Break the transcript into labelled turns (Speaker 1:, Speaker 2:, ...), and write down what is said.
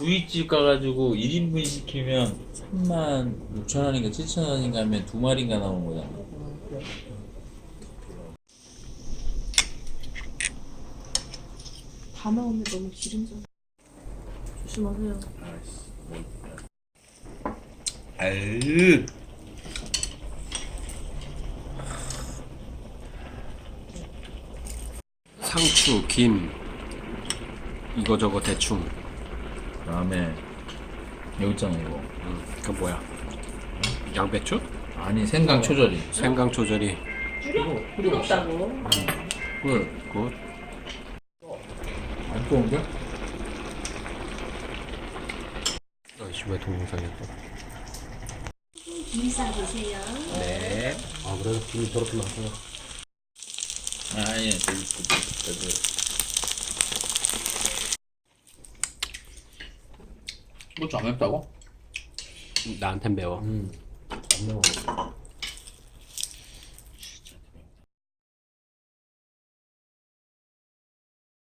Speaker 1: 구이집 가가지고 1인분 시키면 36,000원인가 7,000원인가 하면 2마리인가 나오는 거잖아.
Speaker 2: 다 나오면 너무 기름져. 조심하세요.
Speaker 1: 아유.
Speaker 3: 상추, 김 이거저거 대충.
Speaker 1: 그다음에 여기 있잖아 이거.
Speaker 3: 그 뭐야? 양배추?
Speaker 1: 아니 생강 초절이.
Speaker 3: 생강 조절이.
Speaker 2: 뜨겁다고.
Speaker 1: 꿀.
Speaker 3: 굿.
Speaker 1: 안 좋은데?
Speaker 3: 아이씨 왜 동영상이야 또?
Speaker 2: 김 싸주세요.
Speaker 3: 네. 아 그래 김이 저렇게 나서.
Speaker 1: 아니 고추 안 맵다고?
Speaker 3: 나한텐 매워.
Speaker 4: 안 매워.